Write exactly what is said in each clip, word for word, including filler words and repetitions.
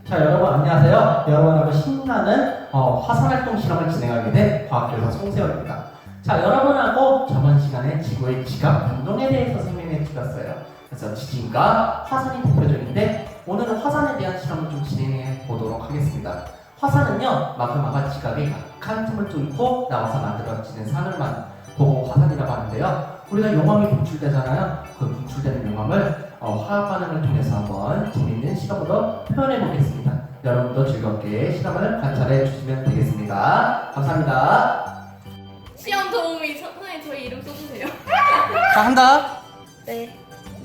자, 여러분 안녕하세요. 여러분하고 신나는 어, 화산활동 실험을 진행하게 된 과학교사 송세월입니다. 자, 여러분하고 저번 시간에 지구의 지각 운동에 대해서 설명해 드렸어요. 그래서 지진과 화산이 대표적인데 오늘은 화산에 대한 실험을 좀 진행해 보도록 하겠습니다. 화산은요, 마그마가 지각에 약한 틈을 뚫고 나와서 만들어지는 산을 보고 화산이라고 하는데요. 우리가 용암이 분출되잖아요. 그 분출되는 용암을 어, 화학 반응을 통해서 한번 재밌는 실험으로 표현해 보겠습니다. 여러분도 즐겁게 실험을 관찰해 주시면 되겠습니다. 감사합니다. 시험 도우미 선생님 저희 이름 써주세요. 자, 한다. 네.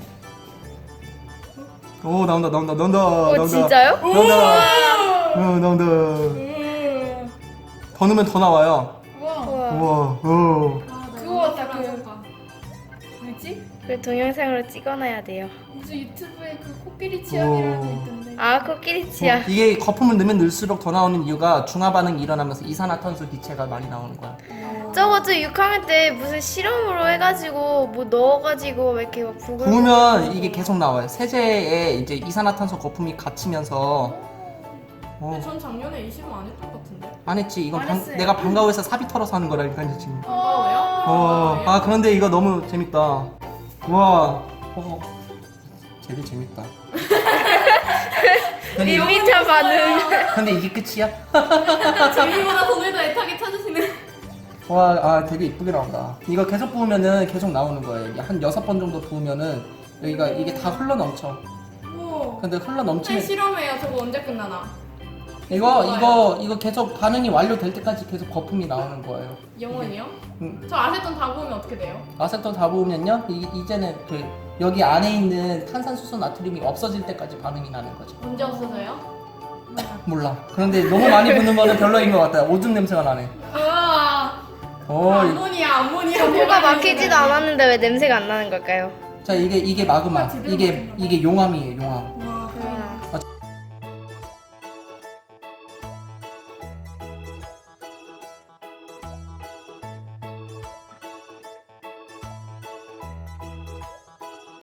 오, 나온다, 나온다, 나온다, 어, 나온다. 진짜요? 나온다. 어, 나온다. 음. 더 넣으면 더 나와요. 우와. 우와. 우와, 오. 아, 나 그거 이거 같다, 사람 그- 봐. 뭐지? 그 동영상으로 찍어놔야 돼요. 무슨 유튜브에 그 코끼리 취향이라는 게 오. 있던데. 아, 코끼리 치아. 어, 이게 거품을 넣으면 넣을수록 더 나오는 이유가 중화 반응이 일어나면서 이산화탄소 기체가 많이 나오는 거야. 저거 저 육 학년 때 무슨 실험으로 해가지고 뭐 넣어가지고 왜 이렇게 막 부글. 부으면 이게 계속 나와요. 세제에 이제 이산화탄소 거품이 갇히면서. 근데 어, 전 작년에 이 실험 안 했던 것 같은데. 안 했지. 이건 안 방- 했어요. 내가 방과후에서 사비 털어서 하는 거라니까 지금. 반가워요? 어, 아 그런데 이거 너무 재밌다. 와, 어, 되게 재밌다. 근데, 밋밋한 반응. 근데 이게 끝이야? 재미보다 오늘도 애타게 찾으시는. 와, 아 되게 이쁘게 나온다. 이거 계속 부으면은 계속 나오는 거예요. 한 여섯 번 정도 부으면은 여기가 이게 다 흘러 넘쳐. 오. 근데 흘러 선생님 넘치면 실험해요. 저거 언제 끝나나? 이거 이거 이거 계속 반응이 완료될 때까지 계속 거품이 나오는 거예요. 영원이요? 음. 저 아세톤 다 부으면 어떻게 돼요? 아세톤 다 부으면요, 이, 이제는 그 여기 안에 있는 탄산수소 나트륨이 없어질 때까지 반응이 나는 거죠. 언제 없어져요? 몰라. 그런데 너무 많이 부는 거는 별로인 것 같아요. 오줌 냄새가 나네. 우와. 어, 이- 암모니아, 암모니아. 코가 막히지도 않았는데 왜 냄새가 안 나는 걸까요? 자 이게 이게 마그마. 아, 제대로 이게 먹었나? 이게 용암이에요, 용암.